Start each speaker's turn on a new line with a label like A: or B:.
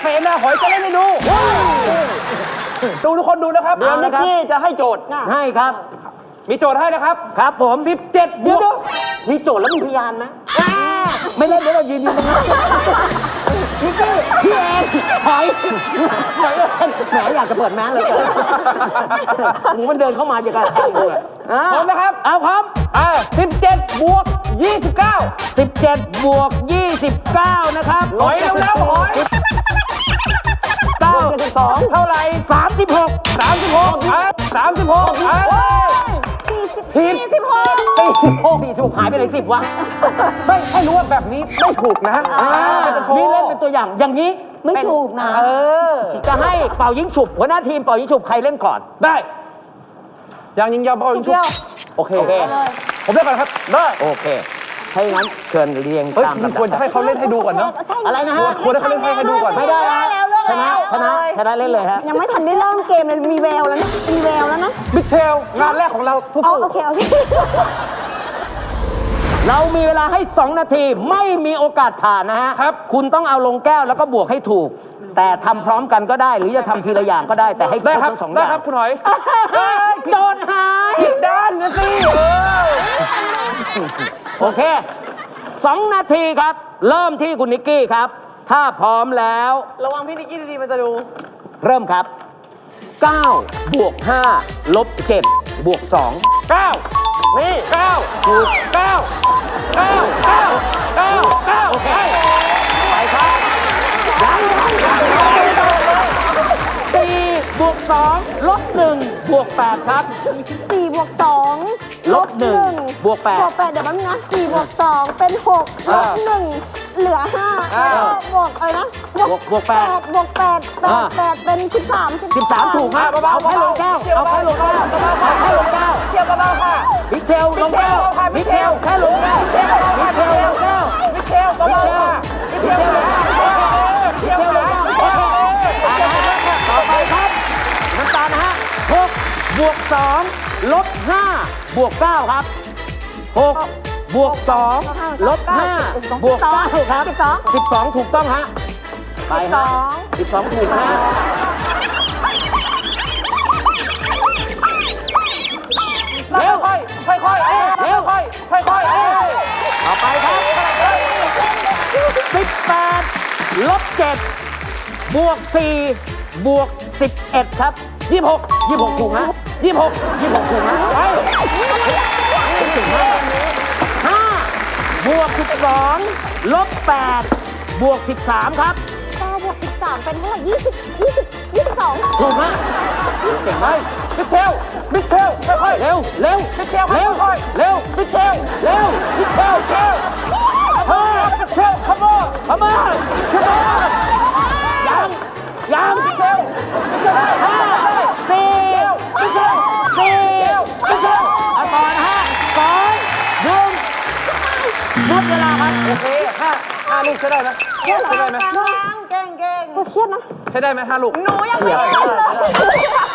A: เสนาหอยจะเล่นให้ดูดูทุกคนดูนะครับ
B: เดี๋ยวนิกกี้จะให้โจทย์ให้ครับ
A: มีโจทย์ให้นะครับ
B: ครับผม
A: 17 บวก
B: มีโจทย์แล้วมีพยานไหมไม่เล่นเดี๋ยวเรายืนตรงนั้นนิกกี้พี่เองถอยแหมอยากจะเปิดแมสเลยหมูมันเดินเข้ามาอย่างกับแทงเลย
A: พร้อมนะครับ
B: เอาพร้อม
A: 17 บวก 29
B: 17 บวก 29 นะครับ
A: หอยเร็วๆหอย
B: 9
A: เท่าไหร่
B: 36
A: 36ผิด
B: 46หายไปเลย10วะ
A: ไม่ให้รู้ว่าแบบนี้ไม่ถูกนะ
B: นี่เล่นเป็นตัวอย่างอย่างนี้ไม่ถูกนะจะให้เป่ายิงฉุบหัวหน้าทีมเป่ายิงฉุบใครเล่นก่อน
A: ได้ยังยิงยาวเป่ายิงชุบโอเคผมเล่นก่อนครับได้
B: โอเคถ้าอย่างนั้นเชิญเรียงตามลำดับ
A: ควรจะให้เขาเล่นให้ดูก่อนเนาะ
B: อะไรนะฮะ
A: ควรให้เขาเล่นให้ดูก่อน
B: ไม่ได้นะชนะเล่นเลยฮะ
C: ยังไม่ทันได้เริ่มเกมเลยมีแววแล้วนะมีแววแล้วนะ
A: มิเชลงานแรกของเราทุกคน
C: โอเค
B: เรามีเวลาให้ 2 นาทีไม่มีโอกาสผ่านนะฮะครับคุณต้องเอาลงแก้วแล้วก็บวกให้ถูก แต่ทำพร้อมกันก็ได้ หรือจะทำทีละอย่างก็ได้แต่ให้ครบทั้ง2อย่าง
A: ได้ครับคุณหอย
B: โจทย์หาย
A: ผิดด้านกันสิ
B: โอเค 2 นาทีครับ เริ่มที่คุณนิกกี้ครับ ถ้าพร้อมแล้ว
C: ระวังพี่นิกกี้ดีๆมันจะดู
B: เริ่มครับ 9 บวก 5 ลบ 7 บวก 2
A: 9นี่9ถูก9
B: โอเค ไปครับ4 บวก 2 ลบ 1 บวก 8 ครับ
C: 4 บวก 2
B: ลบ1 บวก 8
C: บวก 8 เดี๋ยวแป๊บนึงนะ4 บวก 2 เป็น 6 ลบ 1 เหลือ 5 แล้วก็บวกอะไรนะ
B: บวก 8
C: บวก 8 เป็น 13
B: 13 ถูกครับเอาแค่ลงแก้วเอาแค่ลงแก้วเอาแค่ลงแก้ว
A: เชียวเบาๆค่ะ
B: มิเชลลงแก้วมิเชลแค่ลงแก้วมิเชลลงแก้ว
A: มิเชลเบาๆค่ะมิเชลลงแก้ว
B: ต่อไปครับน้ำตาลนะฮะ6 บวก 2 ลบ 5 บวก 9 ครับ 6 บวก 2 ลบ 5 บวก 9 ครับ 12 ถูกต้องฮะไปฮะ12 ถูกนะฮะ
A: เร็วค่อยเร็วค่อย
B: ต่อไปครับ18 ลบ 7 บวก 4 บวก 11 ครับ 26 ถูกฮะ26 ถูกฮะไป5 บวก 12 ลบ 8 บวก 13 ครับ
C: 9 บวก 13 เป็นเท่าไหร่22
B: ถูกฮะเก่งมาก
A: มิเชลค่อย
B: เร็วมิเชลเร็วมิเชลเร็วมิเชลขโมยยังมิเชล5 4 มิเชลเอาต่อนะฮะ2 1หมดเวลาครับ
A: โอเค5 ลูกใช้ได้ไหม
C: เก่งเก่งเครียดนะ
A: ใช้ได้ไหม5 ลูก
C: หนูยังไม่ได้เลย